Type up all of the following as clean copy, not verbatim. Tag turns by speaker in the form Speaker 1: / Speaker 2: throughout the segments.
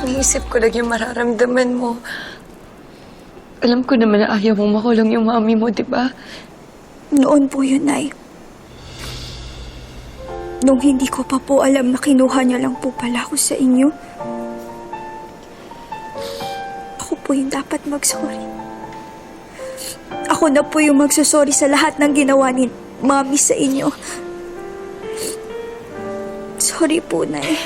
Speaker 1: Umisip ko lang yung mararamdaman mo. Alam ko naman na ayaw mong makulong yung mami mo, di ba?
Speaker 2: Noon po yun, Nay. Nung hindi ko pa po alam na kinuha niya lang po pala ako sa inyo. Ako po yung dapat mag-sorry. Ako na po yung magsasorry sa lahat ng ginawa ni Mami sa inyo. Sorry po, Nay.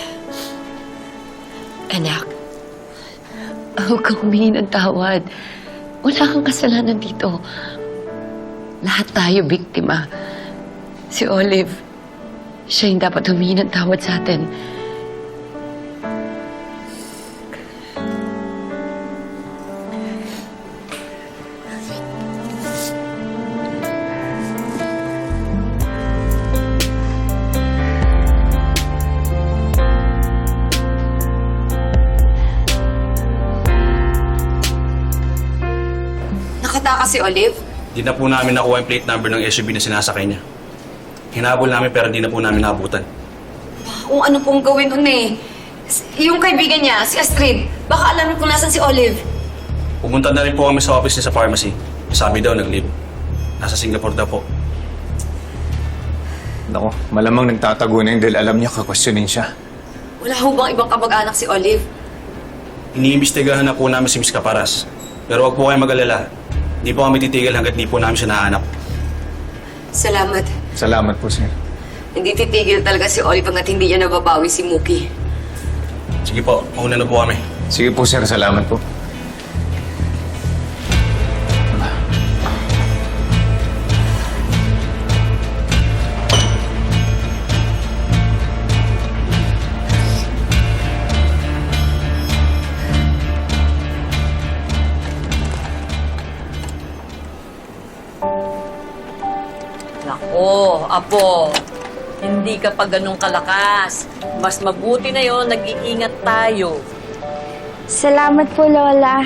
Speaker 1: Anak, huwag kang humingi ng tawad. Wala kang kasalanan dito. Lahat tayo biktima. Si Olive, siya yung dapat humingi ng tawad sa atin.
Speaker 3: Nakataka si Olive?
Speaker 4: Di na po namin nakuha yung plate number ng SUV na sinasakay niya. Hinabol namin pero di na po namin naabutan.
Speaker 3: Kung ano pong gawin nun eh. Yung kaibigan niya, si Astrid, baka alam kung nasan si Olive.
Speaker 4: Pumunta na rin po kami sa office niya sa pharmacy. Sabi daw, nag-leave. Nasa Singapore daw po.
Speaker 5: Nako, malamang nagtatago na yun dahil alam niya kakwestiyonin siya.
Speaker 3: Wala ho bang ibang kamag-anak si Olive?
Speaker 4: Iniimbestigahan na po namin si Miss Caparas. Pero wag po kayong mag-alala. Hindi po kami titigil hanggat di po namin siya nahanap.
Speaker 3: Salamat.
Speaker 5: Salamat po, sir.
Speaker 3: Hindi titigil talaga si Olive hanggat hindi niya nababawi si Mookie.
Speaker 4: Sige po, mauna na po kami.
Speaker 5: Sige po, sir. Salamat po.
Speaker 6: Nako, Apo, hindi ka pa ganun kalakas. Mas mabuti na yon, nag-iingat tayo.
Speaker 2: Salamat po, Lola.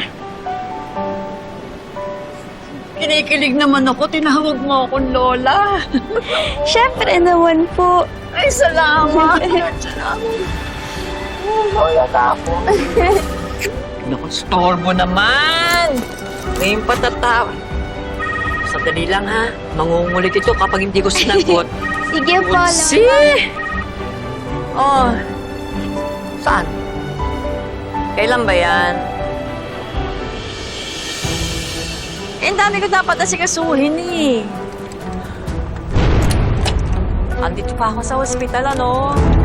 Speaker 6: Kinikilig naman ako, tinawag mo akong Lola.
Speaker 2: Siyempre naman po.
Speaker 6: Ay, salamat. Lola ka ako. Naku, storbo naman. Ngayon patatawa. Sandali lang ha. Mangungulit ito kapag hindi ko sinagot.
Speaker 2: Sige po,
Speaker 6: Si! Oh. Saan? Kailan ba yan? Eh, ang dami ko dapat asikasuhin eh. Andito pa ako sa ospital, ano?